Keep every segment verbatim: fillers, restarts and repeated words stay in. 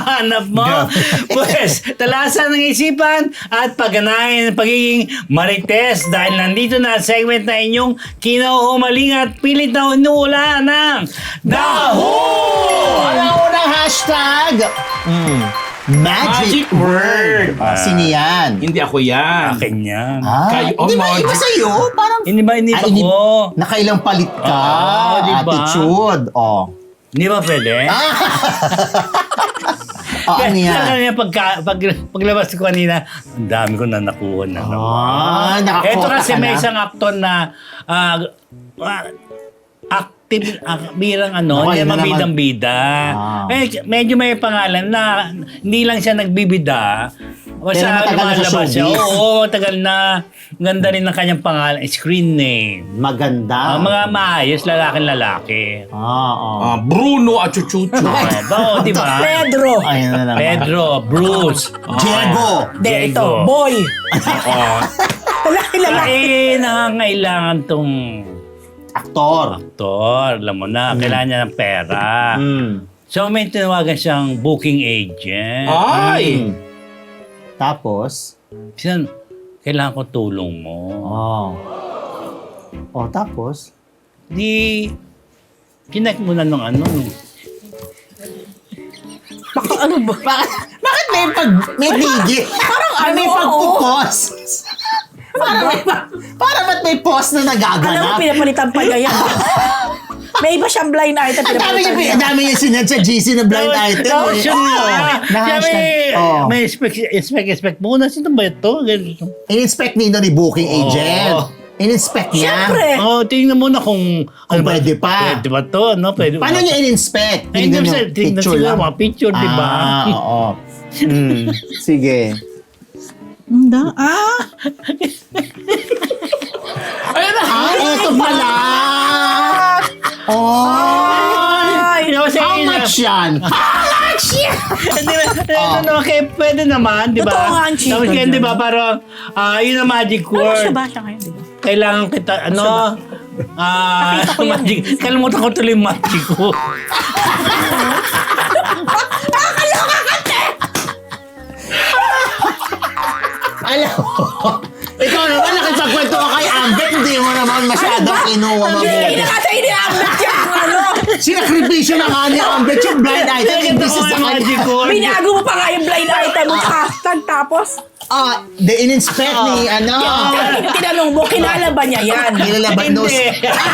hinahanap mo? Pues, talasan ng isipan at pagganahin ng pagiging marites dahil nandito na ang segment na inyong kinauhumaling at pilit na inuula ng Daho! Ang unang hashtag, mm, magic, Magic word. word. Ah, sino yan? Hindi ako yan. Akin yan. Ah, Kayo, oh, hindi ba magic. iba sa'yo? Parang, Hindi ba, hindi Ah, ba ini- ko? nakailang palit ka. Oo, di ba? Attitude. Oh. Hindi ba pwede? Oh, ano yan? Sa kanina, pagka, pag, paglabas ko kanina, ang dami ko na nakuha na. Ah, nakakuha Ito kasi ka may na. isang aktor na ah, ah, active, ah, birang ano, Okay, hindi na naman. mabidang-bida. Ah. Med- medyo may pangalan na hindi lang siya nagbibida. O Pero sa matagal na sa lumalabas siya. showbiz. Oo, tagal na. Ganda rin ng kanyang pangalan, screen name. Maganda. Ah, mga maayos, lalaking-lalaki. Ah, oh. Ah, Bruno at Chuchucho. Ah, ba, di ba? Pedro. Ayun na naman. Pedro, Bruce. Diego. De, ito, Diego. boy. Oo. Lalaki, lalaki. Eh, nangangailangan tong Aktor. aktor. Alam mo na, kailangan niya ng pera. Mm. So, may tinawagan siyang booking agent. Ay! Mm. Tapos, Sinan, kailangan ko tulong mo. oh. Oh, tapos, Di, kinek mo na nung ano. Baka ano ba? bakit, bakit may pag, may tigil? Parang ano, may oo. pagpupos. Parang may, para ba't may pause na Alam mo, nagaganap? pinapalitan pa niya yan. May iba siyang blind item, Ang dami niya, pinapalitan niya. ang dami niya sinad sa G C na blind item. No, eh. siya nga. Oh, na Siya may, hashtag. Oh. may expect, expect, expect muna. Sino ba ito? Ganito. In-inspect nito ni booking Oh. agent. In-inspect niya. Siyempre. Oh, tingnan mo na kung... Kung pwede pa. Pwede ba to? No? Pwede Paano ba? niya in-inspect? Ay, hindi Tinignan mo yung sa- tingnan picture siguro lang. mga picture, di ba? Ah, oo. Mm, sige. Hindi. Ah, Ayun na! Ah, eto pala! Oh! ay. You know, say, How much yan? Hindi ba? Ito naman, kaya pwede naman, di ba? Totoo nga ang chika Tapos kaya, dyan. di ba, parang, ah, yun ang magic Ano siya word. ba siya ngayon, di ba? Kailangan kita, ano, ah, Nakita ko yan magic. Kalimutan ko tuloy yung magic ko. Alam mo, ikaw naman nakipagkwento ka kay Ambet, hindi mo naman masyadong kinuha Hindi mabuti. na kasi iniambit niya ang ano. Sinakripisyo na nga ni Ambet yung blind item, hindi Ito sa ko yung kanya. magic word. Binago mo pa nga yung blind item mo sa hashtag tapos. Ah, the in-inspect ni, ano, Tinanong mo, kilala ba niya yan? nilalabat nose. Hindi.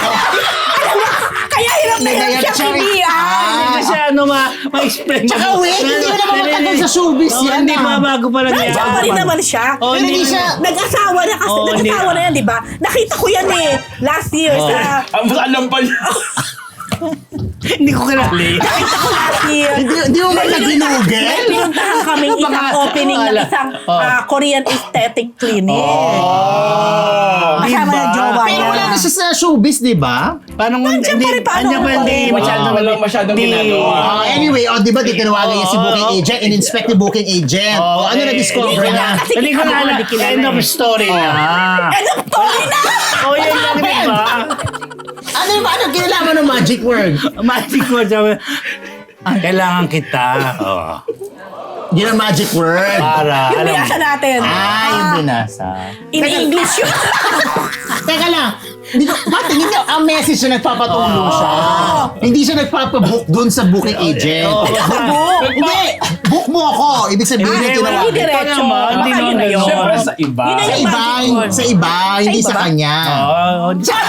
Kaya hirap na hirap Nagayat siya siya rin. pilihan. Ah. Kasi ano, ma, ma-explain. Tsaka wait, hindi mo naman matagal sa showbiz Oh, yan, Hindi ah. ba, bago pa lang yan. Nandiyan pa rin naman siya. Oh, Pero hindi siya, Nag-asawa na kasi, Oh, hindi. nag-asawa na yan, di ba? Nakita ko yan eh, last year Oh. sa... Ang alam pa niya. Hindi ko kilala. Nakita ko last year. hindi, hindi mo man May nag-ginugel? pinuntahan kaming isang Baka- opening ng Wala. isang Oh. ah, Korean aesthetic clinic. Oh. Kasama Diba? ng jowa Pero niya. wala na siya sa showbiz, di ba? Paano mo, Nandiyan pa rin, paano Andiyan pa, ko hindi pa rin? masyadong, Wala masyadong hindi- ginagawa. Oh, anyway, oh, di ba titinawagan niya si Oo. booking agent, in-inspect ni booking agent. Oo, Oh, ano eh, na-discover hindi ko niya? na- Kasi Hindi ko kita na mo, alam. hindi kilala End of eh. story na. End of story na! Oh, yun lang, di ba? Ano yung ano, kinalaman ng magic word? Magic word. Sabi, ah, kailangan kita. Oh. Yun ang magic word. Para, Yung alam mo. binasa natin. Ah, yung binasa. In English yun. Teka lang, hindi ko, ba't hindi niya, ang message na nagpapatulong siya. Hindi siya nagpapabook dun sa booking agent. Oo. Hindi, book mo ako. Ibig sabihin Ah, yung hindi, tinawagan. hindi diretso. Ito naman, hindi Baka naman yun na yun. ganun. Siyempre sa iba. Yun na Sa yung iba, magic word. sa iba, hindi iba sa ba? kanya. Oh,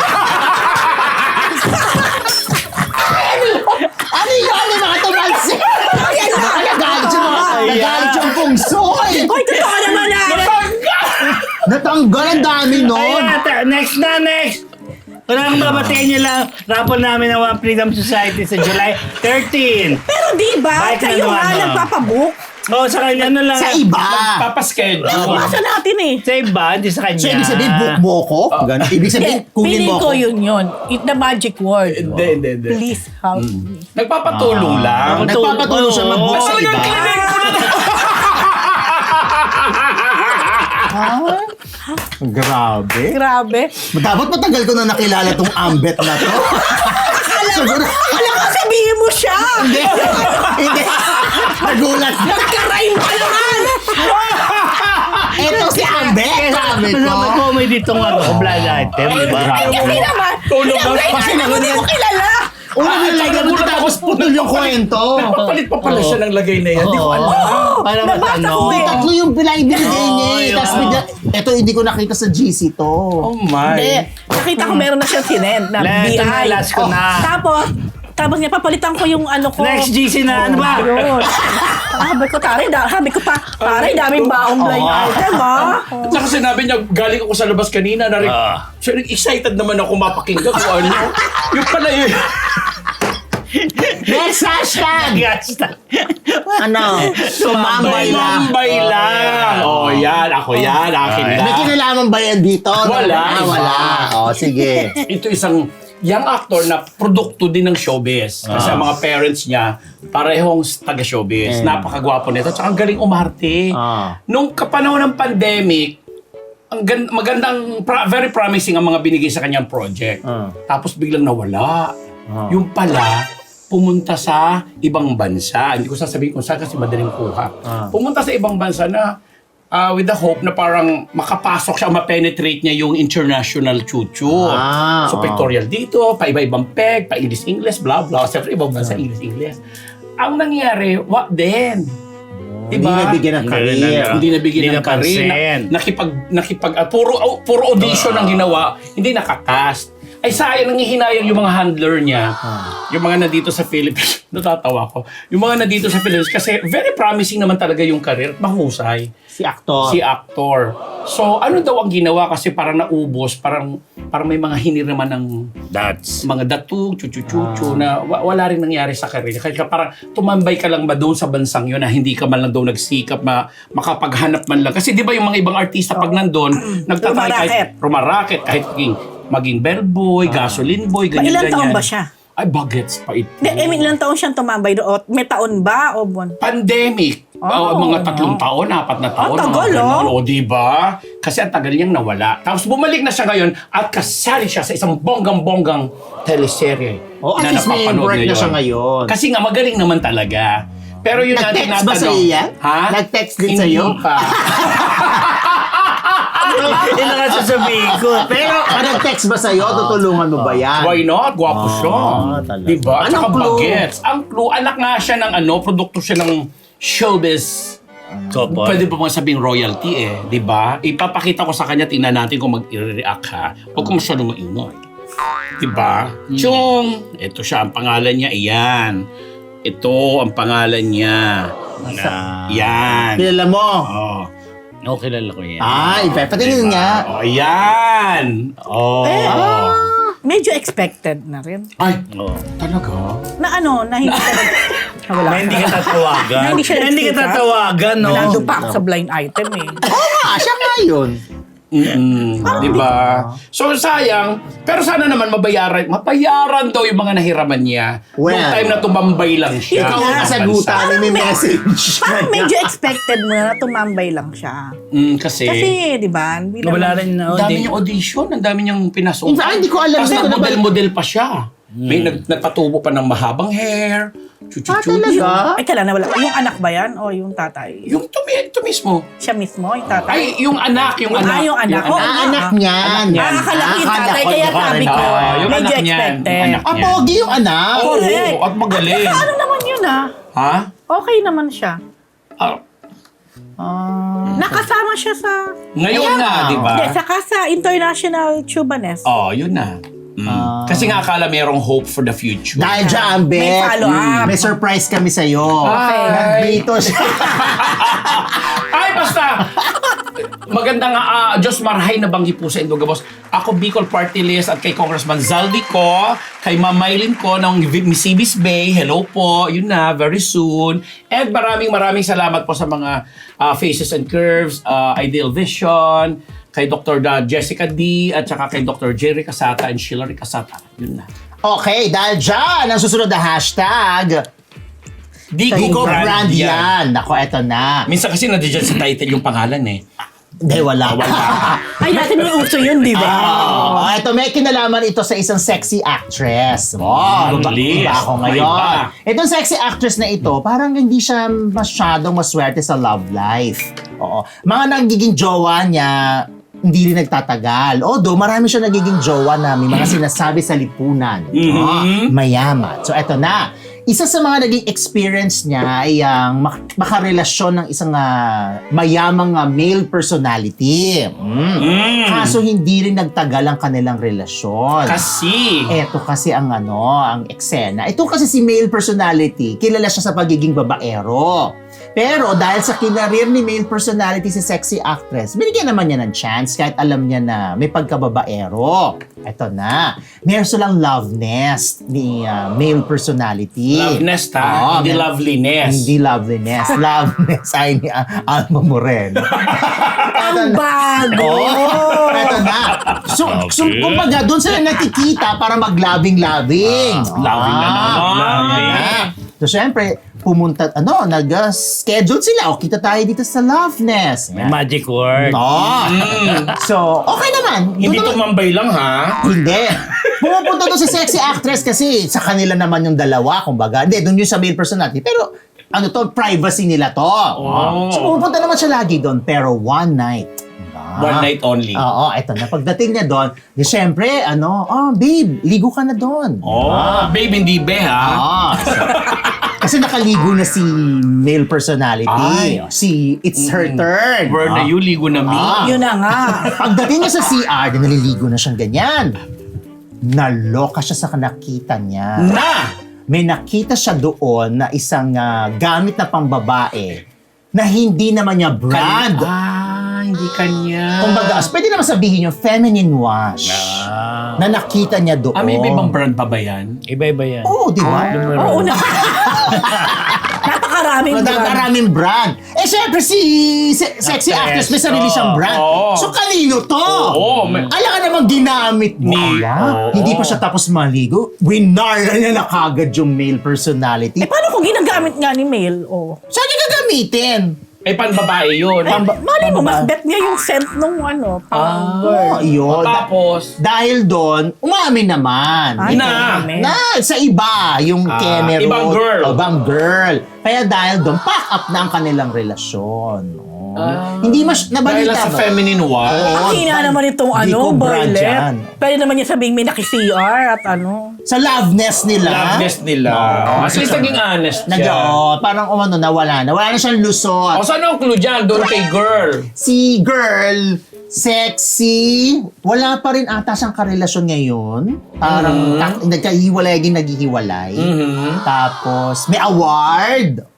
Ano yun? May mga tumalsik. Ayan na. Nagalit yung mga, Ayan. nagalit yung pungsoy. Hoy, totoo naman na. Natanggal ang dami nun. Ayan, ta- next na, next. Kung ang babatiin niyo lang, rapon namin ng One Freedom Society sa July thirteenth. Pero di ba, Bakit kayo naman, nga ano? nagpapabook. Oh, sa kanya, ano lang. Sa iba. Papaschedule. Nabasa natin eh. Sa iba, hindi sa kanya. So, ibig sabihin, book mo ko? Ganun. Ibig sabihin, Hindi, kunin feeling mo ko ko. yun yun. It, the magic word. Hindi, hindi, hindi. Please help me. Nagpapatulong lang. Nagpapatulong siya mag-book sa iba. Grabe. Grabe. Dapat matagal ko na nakilala tong Ambet na to. Siguro, Alam ko, sabihin mo siya. hindi. Hindi. Nagulat ka. Nagka-rhyme ka naman! Ito si Ambe. Sabi ko. Masama comedy itong ano, blind item, di ba? Ay, kasi naman! Tulog Yung na- blind kasi item mo, naman di yan- mo kilala! Una Ah, nilagay tsaka mo nagulat tapos putol yung kwento. Nagpapalit pa pala siya ng lagay na yan. Hindi ko Oo. alam. Para Nabasa matano. ko eh. Tatlo yung bilay binigay Oo, niya. eh. yun. Tapos bigla, ito hindi ko nakita sa G C to. Oh my. Hindi. Nakita ko meron na siyang sinend na Wala, ito na, B I. last ko na. Tapos, tapos niya papalitan ko yung ano ko. Next G C na, ano ba? Yun. Ah, sabi ko, taray, da, sabi ko pa, taray, daming baong blind Oo. item, ah. At saka sinabi niya, galing ako sa labas kanina, narin, Ah. so, excited naman ako mapakinggan kung ano. Yung pala yun. Next hashtag! Gasta. Ano? Sumambay lang. Mambay lang. Oh, yan. Ako yan. Akin Ah, May lang. kinalaman ba yan dito? Wala. Ah, wala. O, sige. Ito isang young actor na produkto din ng showbiz. Kasi ang mga parents niya, parehong taga-showbiz. Eh. Napakagwapo nito. Tsaka ang galing umarte. Ah. Nung kapanahon ng pandemic, ang gan- magandang, pra- very promising ang mga binigay sa kanyang project. Ah. Tapos biglang nawala. Ah. Yung pala, pumunta sa ibang bansa. Hindi ko sasabihin kung saan kasi madaling kuha. Ah. Pumunta sa ibang bansa na ah, with the hope na parang makapasok siya, ma-penetrate niya yung international chuchu. Ah, so, oh. pictorial dito, pa iba-ibang peg, pa English-English, blah, blah. Siyempre, ibang bansa, English-English. Ang nangyari, what then? Hindi nabigyan ng career. Hindi nabigyan Hindi ng career. napansin. Na, nakipag, nakipag, ah, puro, oh, puro audition ang ginawa, hindi nakakast. Ay sayang, nangihinayang yung mga handler niya. Yung mga nandito sa Philippines. Natatawa ko. Yung mga nandito sa Philippines kasi very promising naman talaga yung career. Mahusay. Si aktor. Si actor. So, ano daw ang ginawa kasi parang naubos, parang parang may mga hiniraman ng That's. mga datug, chuchu-chuchu na wa- wala rin nangyari sa career. Kaya parang tumambay ka lang ba doon sa bansang yun na hindi ka man lang daw nagsikap ma makapaghanap man lang. Kasi di ba yung mga ibang artista pag nandun, nagtatry Rumaraket. kahit rumaraket, kahit maging, maging bellboy, gasoline boy, Pa, ganyan-ganyan. ilang taon ba siya? Ay, bagets pa ito. Hindi, I mean, ilang taon siyang tumambay doon? May taon ba o buwan? Pandemic. Oh. Oh, mga tatlong taon, apat na taon. Ah, tagal, mga ganon. oh. O, di ba? Kasi ang tagal niyang nawala. Tapos bumalik na siya ngayon at kasali siya sa isang bonggang-bonggang teleserye. Oh, at least may napapanood work na siya ngayon. Kasi nga, magaling naman talaga. Pero yun nga Nag-text ba tinatanong. sa'yo yan? Ha? Nag-text din Hindi sa'yo? pa. Yun ang sasabihin ko. Pero ah, nag-text ba sa'yo? Tutulungan mo ba yan? Why not? Gwapo siya. Ah, talaga. Diba? At Anong saka clue? bagets. Ang clue, anak nga siya ng ano, produkto siya ng showbiz. Couple. Pwede pa mga sabing royalty eh, di ba? Ipapakita ko sa kanya, tingnan natin kung mag-react ha. Huwag ko masyadong maingay. Di ba? Chong! Ito siya, ang pangalan niya, iyan. Ito, ang pangalan niya. Na. Yan. Kilala mo? Oh. Oo, kilala ko yan. Ay, iba. Patingin nga. Oh, yan. Oh. Medyo expected na rin. Ay, Oo. talaga? Na ano, na hindi ka nag... Na wala Na hindi ka tatawagan. Na hindi siya Na hindi ka nagsikap. tatawagan, no? Nandun pa ako sa blind item eh. Oo nga, siya nga yun. Mm-mm, di ba? So sayang, pero sana naman mabayaran, mabayaran daw yung mga nahiraman niya. Well, Noong time na tumambay lang siya. Ikaw ang sa kasagutan, bansa. may message. Parang medyo expected mo na tumambay lang siya. Mm, kasi, Kasi, di ba? bilang- Wala rin na. ang dami niyang audition, ang dami niyang pinasok. In fact, hindi ko alam Tapos dito na ba- nag-model-model pa siya. May nag nagpatubo pa ng mahabang hair. Ah, Chuchu-chuchu. talaga? Ay, kailan na wala. Yung anak ba yan? O yung tatay? Yung ito, ito mismo. Siya mismo, yung tatay? Ay, yung anak, yung Ah, anak. yung anak. Oh, Ah, anak niyan. niyan. Ah, akala ko yung Akala tatay, ko kaya yung sabi ko, Ah, yung medyo anak niyan, expected. anak Ah, pogi yung anak. Oo, Correct. at magaling. Ano naman yun ah? Ha? Okay naman siya. Ah, Ah. Nakasama siya sa... ngayon Ayan. na, di ba? Hindi, saka sa International Chubanes. Oh, yun na. Mm. Ah. Kasi nga akala merong hope for the future. Dahil dyan, Bet. May follow-up. May surprise kami sa'yo. Okay. Nandito siya. Ay, basta! Magandang uh, Diyos Marhay na banggi po sa Indoga Boss. Ako, Bicol Party List at kay Congressman Zaldi ko, kay Ma'am Maylin ko ng Misibis Bay. Hello po. Yun na, very soon. And maraming maraming salamat po sa mga uh, Faces and Curves, uh, Ideal Vision, kay Doctor Da Jessica D, at saka kay Doctor Jerry Casata and Sheila Casata. Yun na. Okay, dahil dyan, ang susunod na hashtag, Di Digo Go Brand Brand yan. yan. Nako, eto na. Minsan kasi nandiyan sa title yung pangalan eh. Hindi, wala. Wala. Ay, dati may uso yun, di ba? Oh, ito, may kinalaman ito sa isang sexy actress. Oh, Mm, iba, Liz. iba ako May ngayon. iba. Itong sexy actress na ito, parang hindi siya masyadong maswerte sa love life. Oo. Mga nagiging jowa niya, hindi rin nagtatagal. Although, marami siya nagiging jowa na may mga sinasabi sa lipunan. Mhm. Oh, mayaman. So, eto na. Isa sa mga naging experience niya ay ang mak- makarelasyon ng isang ah, mayamang ah, male personality. Mm. Mm. Kaso hindi rin nagtagal ang kanilang relasyon. Kasi, Eto kasi ang ano, ang eksena. Ito kasi si male personality, kilala siya sa pagiging babaero. Pero dahil sa kinarir ni male personality si sexy actress, binigyan naman niya ng chance kahit alam niya na may pagkababaero. Eto na, meron silang love nest ni ah, male personality. love nest ha, Oo, hindi mer- loveliness. Hindi loveliness. Loveness ay ni ah, Alma Moreno. Ang bago! Oh, eto na. So, so Okay. kumbaga, doon sila nakikita para mag-labing-labing. Ah, labing na naman. labing na. So, syempre, pumunta, ano, nag-schedule sila. O, kita tayo dito sa Love Nest. May magic word. Oh. So, okay naman. Doon Hindi naman- tumambay lang ha. Hindi. Pumupunta doon si sexy actress kasi sa kanila naman yung dalawa, kumbaga. Hindi, doon yung sa male personality. Pero, ano to, privacy nila to. Oh. So, pumupunta naman siya lagi doon. Pero one night. diba? One night only. Oo, eto na. Pagdating niya doon, di syempre, ano, oh, babe, ligo ka na doon. Oh, babe, hindi be ha. Ah, so, kasi nakaligo na si male personality. Ay. Si It's Her Turn. Word na Ah. you, ligo na me. Ah. Yun na nga. Pagdating niya sa C R, di naliligo na siyang ganyan. Naloka siya sa nakita niya. Na! May nakita siya doon na isang ah, gamit na pambabae na hindi naman niya brand. Ah, hindi kanya. Kumbaga, pwede naman sabihin yung feminine wash Ah. na nakita niya doon. Ah, may ibang brand pa ba yan? Iba-iba yan. Oo, di ba? Oo na. Napakaraming brand. Madagaraming brand. Eh, syempre, si se- sexy actress, Actress. may sarili siyang Oo. brand. Oo. So, kanino to? Oo, may- Alam ka namang ginamit Ni- niya. Oo. Hindi pa siya tapos maligo. Winara niya na kagad yung male personality. Eh, paano kung ginagamit nga ni Mel? Oh. Saan niya gagamitin? Eh, panbabae yun. Ay, malay mo, mas bet niya yung scent nung ano, pang Oh, girl. yun. Tapos, Dahil doon, umamin naman. Ay, na. dami. Na, sa iba, yung Ah, Cameron. ibang girl. O, ibang girl. Kaya dahil doon, pack up na ang kanilang relasyon. Oh. Hindi mas, dahil nabalita lang sa ba? feminine wash. Oo. Ang hina naman itong Hindi ano, ko brand boylet. yan. Pwede naman niya sabihin may naki-C R at ano. Sa love nest nila. Love nest nila. Oo. At least naging honest Nag, siya. oh, parang umano, nawala na. Wala na siyang lusot. O, saan ang clue dyan? Doon kay girl. Si girl, sexy, wala pa rin ata siyang karelasyon ngayon. Parang Mm-hmm. tak- nagkahiwalay, naging naghihiwalay. Mhm. Tapos, may award.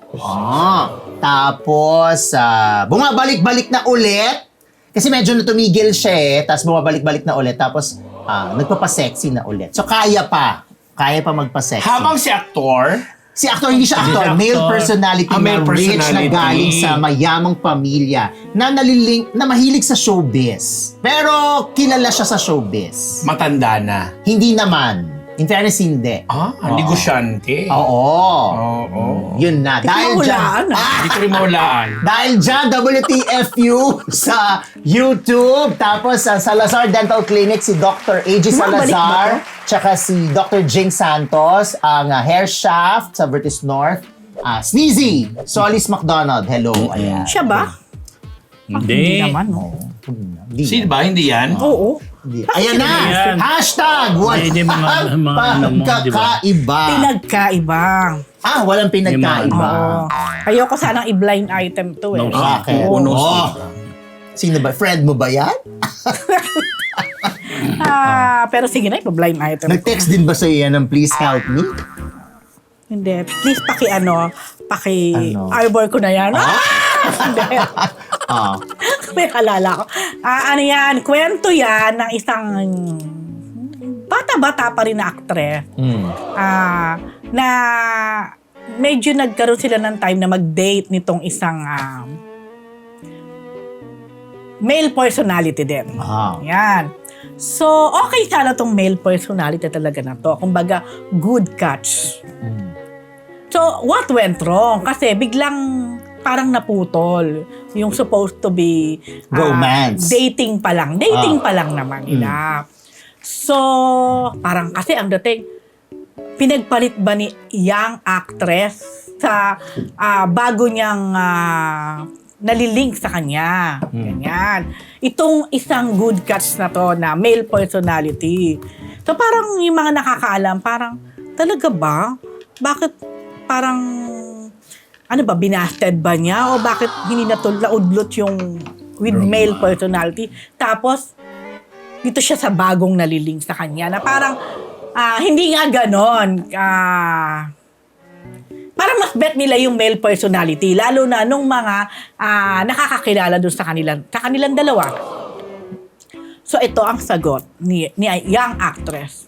Ah, tapos, ah, bumabalik-balik na ulit. Kasi medyo natumigil siya eh. Tapos bumabalik-balik na ulit. Tapos, ah, nagpapasexy na ulit. So, kaya pa. Kaya pa magpasexy. Habang si aktor, Si actor, hindi siya Hindi actor. siya Male actor. personality Ah, male na rich na personality. galing sa mayamang pamilya na naliling, na mahilig sa showbiz. Pero kilala siya sa showbiz. matanda na. Hindi naman. In fairness, hindi. Ah, Oo. negosyante. Oo. Oo. Yun na. Di ko Dahil dyan, mahulaan, ah. Hindi ko rin mahulaan. dahil dyan, W T F U sa YouTube. Tapos sa Salazar Dental Clinic, si Doctor A J Bumabalik ba Salazar. to? Tsaka si Doctor Jing Santos, ang uh, hair shaft sa Vertis North. Ah, Sneezy, Solis McDonald. Hello. Ayan. Siya ba? Ah, Hindi. Hindi naman, no. Hindi Sino ba? Hindi yan? Oo. Hindi. Ayan na! yan? Hashtag! Hindi, hindi, mga- mga ano mo, di ba? Pagkakaiba. Pinagkaiba. Ah, walang pinagkaiba. Oo. Ayoko sanang i-blind item to eh. No, Bakit? Oo, no, Oh. Sino ba? Friend mo ba yan? Ah, pero sige na, ipa-blind item. Nag-text din ba sa'yo yan ng please help me? Hindi. Please paki ano, paki Ano? arbor ko na yan. Ah! Hindi. Ah. May halala ko. Ah, ano yan, kwento yan ng isang bata-bata pa rin na aktres. Mm. Ah, na medyo nagkaroon sila ng time na mag-date nitong isang um, male personality din. Ah. Yan. So, okay sana tong male personality talaga na to. Kumbaga, good catch. Mm. So, what went wrong? Kasi biglang parang naputol. Yung supposed to be ah, Romance. dating pa lang. Dating Ah. pa lang naman nila. So, parang kasi ang dating, pinagpalit ba ni young actress sa ah, bago niyang ah, nalilink sa kanya. Ganyan. Itong isang good catch na to na male personality. So parang yung mga nakakaalam, parang talaga ba? Bakit parang ano ba, binasted ba niya? O bakit hindi natul- naudlot yung with male personality? Tapos, dito siya sa bagong nalilink sa kanya na parang ah, hindi nga ganon. Ah, parang mas bet nila yung male personality, lalo na nung mga ah, nakakakilala dun sa kanilang, sa kanilang dalawa. So ito ang sagot ni, ni young actress.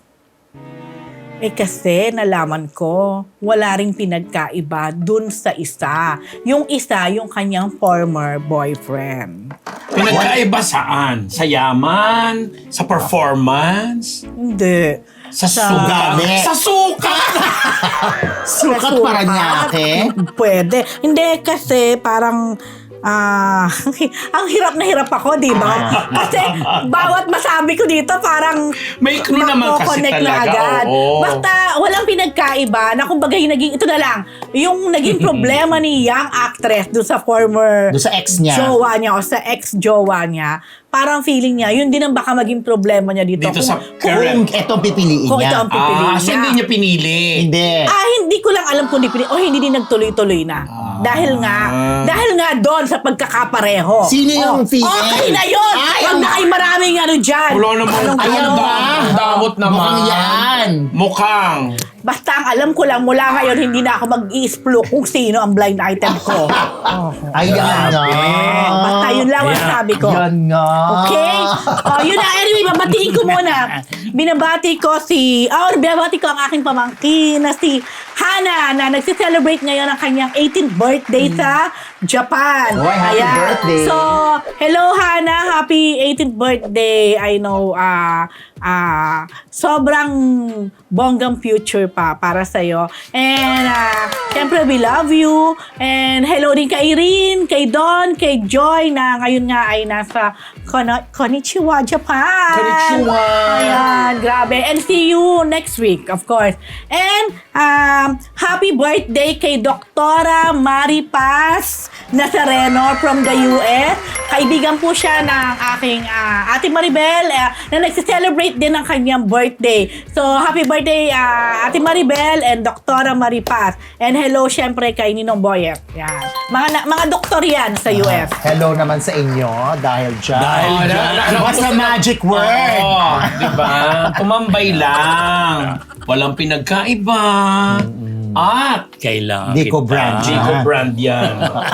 Eh kasi nalaman ko, wala ring pinagkaiba dun sa isa. Yung isa, yung kanyang former boyfriend. Pinagkaiba saan? Sa yaman? Sa performance? Hindi. Sa Sa- sugat? Ugali. Sa sukat! Sukat Sa Paranaque? Pwede. Hindi kasi parang ah ang hirap na hirap ako, di ba? Kasi bawat masabi ko dito parang May clue naman kasi mako-connect na talaga, agad. oo. Basta walang pinagkaiba na kumbaga yung naging, ito na lang, yung naging problema ni young actress do sa former Doon sa ex niya. jowa niya o sa ex-jowa niya, parang feeling niya, yun din ang baka maging problema niya dito. Dito Kung- sa kung- current. Kung etong pipiliin Kung ito niya. ang pipiliin Ah, so niya. hindi niya pinili. Hindi. Ah, hindi ko lang alam kung di pinili o hindi din nagtuloy-tuloy na. Dahil nga, dahil nga doon sa pagkakapareho. Sino yung Oh, female? Okay na yun! Ay, Huwag ang- na kayo maraming ano dyan. Wala naman. Anong- Ayan ano? ba? Ang damot naman. Mukhang yan. Mukhang. Basta ang alam ko lang, mula ngayon, hindi na ako mag-i-explore kung sino ang blind item ko. Ayan nga. Basta yun lang ang Ayan. sabi ko. Yan nga. Okay? Oh, yun na. Anyway, babatiin ko muna. Binabati ko si, oh, binabati ko ang aking pamangkin na si Hana na nagsi-celebrate ngayon ang kanyang eighteenth birthday sa Japan. Oy, happy birthday. So, hello Hana, happy eighteenth birthday. I know, ah, ah, sobrang bonggang future pa para sa'yo. And, ah, syempre, we love you. And hello din kay Irene, kay Don, kay Joy na ngayon nga ay nasa Kono- Konnichiwa, Japan. Konnichiwa. Ayan, grabe. And see you next week, of course. And, um, happy birthday kay Doktora Mari Paz Nazareno from the U S. Kaibigan po siya ng aking ah, Ate Maribel eh, na nagsi-celebrate din ng kanyang birthday. So, happy birthday ah, Ate Maribel and Doktora Mari Paz. And hello syempre kay Ninong Boyet. Yan. Mga, na- mga doktor yan sa U S. Hello naman sa inyo dahil dyan. Dahil Oh, dyan. na- na- What's the magic word? Oo, di ba? Tumambay lang. Walang pinagkaiba. At Kailangan Dico kita. brand. Chico Ah. brand yan.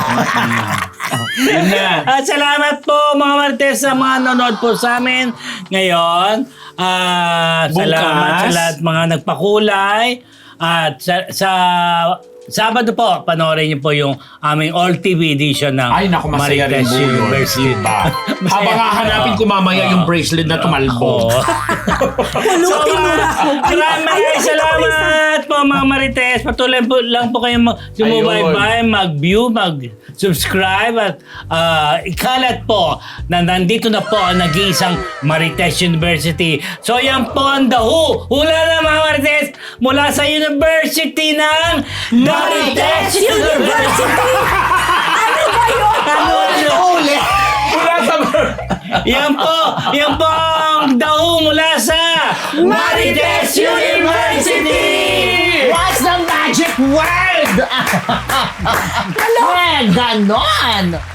Yun na. At salamat po mga Martes sa mga nanonood po sa amin ngayon. At Bukas. salamat sa lahat mga nagpakulay. At sa, sa Sabado po, panoorin niyo po yung aming All T V edition ng Ay, naku, masaya rin Marites po yun. University. Diba? Habang hahanapin ko mamaya yung bracelet na tumalbo. Oo. Pulutin mo na ako. Ay, Maraming ay, maraming ay, salamat po mga Marites. Patuloy po lang po kayong mag- sumubaybay, mag-view, mag-subscribe at ah, ikalat po na nandito na po ang nag-iisang Marites University. So yan po ang The Who. Hula na mga Marites mula sa University ng Marites University! Ano ba yun? Ano ano? Uli! Mula sa... Yan po! Yan po ang The Who mula sa Marites University! What's the magic word? Eh, ganon!